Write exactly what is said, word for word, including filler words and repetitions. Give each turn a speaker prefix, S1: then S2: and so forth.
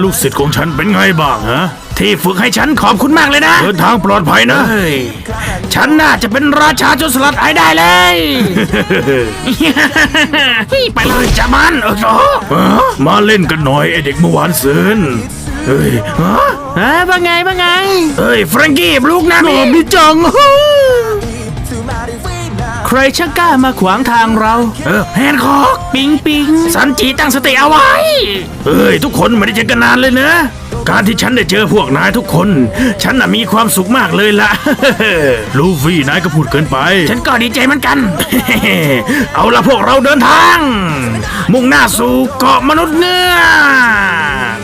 S1: ลูกศิษย์ของฉันเป็นไงบ้างฮะ
S2: ที่ฝึกให้ฉันขอบคุณมากเลยนะ
S1: เดินทางปลอดภัยนะ
S2: เฮ้ยฉันน่าจะเป็นราชาโจรสลัดไอ้ได้เลย ไปเลยจ้ามันเออโ
S1: ฮะมาเล่นกันหน่อยไอเด็กเมื่อวานซืนเฮ้ยฮะ
S2: เฮ้ยว่าไงว่าไงเฮ้ยแฟรงกี้ลูกนะ
S1: โนบิจัง
S2: ใครช่างกล้ามาขวางทางเราเออแฮนคอกปิงปิงสันจีตั้งสติเอาไว้เฮ้ยทุกคนไม่ได้เจอกันนานเลยเนอะการที่ฉันได้เจอพวกนายทุกคน ฉันน่ะมีความสุขมากเลยล่ะ
S1: ลูฟี่นายก็พูดเกินไป
S2: ฉันก็ดีใจเหมือนกัน เอาละพวกเราเดินทาง มุ่งหน้าสู่เกาะมนุษย์เงือก